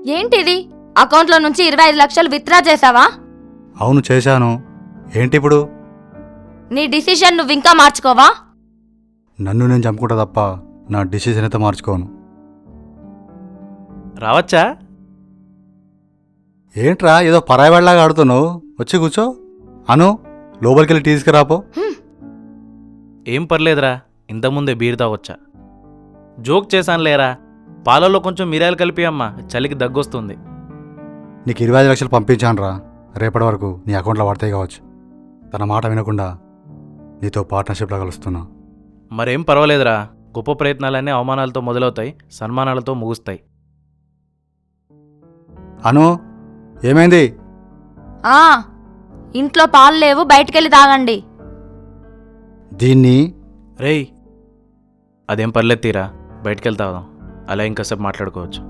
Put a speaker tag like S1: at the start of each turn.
S1: ఏంటిది? అకౌంట్లో నుంచి 25 లక్షలు విత్డ్రా చేసావా?
S2: అవును చేశాను. ఏంటి ఇప్పుడు?
S1: నీ డిసిషన్ నువ్వు ఇంకా మార్చుకోవా?
S2: నన్ను నేను చంపుకుంటా తప్ప నా డిసిషన్ అయితే మార్చుకోను.
S3: రావచ్చా?
S2: ఏంట్రా ఏదో పరాయివాడిలాగా ఆడుతున్నావు? వచ్చి కూర్చో. అను, లోపలికి వెళ్ళి తీసుకురాపో.
S3: ఏం పర్లేదురా, ఇంతకుముందే బీర్ తాగొచ్చా. జోక్ చేశాను లేరా, పాలలో కొంచెం మిరియాలు కలిపి అమ్మా, చలికి దగ్గొస్తుంది.
S2: నీకు 25 లక్షలు పంపించానురా. రేపటి వరకు నీ అకౌంట్లో పడతాయి కావచ్చు. తన మాట వినకుండా నీతో పార్ట్నర్షిప్లో కలుస్తున్నా.
S3: మరేం పర్వాలేదురా, గొప్ప ప్రయత్నాలన్నీ అవమానాలతో మొదలవుతాయి, సన్మానాలతో ముగుస్తాయి.
S2: అను, ఏమైంది?
S1: ఇంట్లో పాలు లేవు, బయటికెళ్ళి తాగండి.
S2: దీన్ని
S3: రేయ్, అదేం పర్లేదు తీరా, బయటికెళ్తాదాం, అలా ఇంకాసేపు మాట్లాడుకోవచ్చు.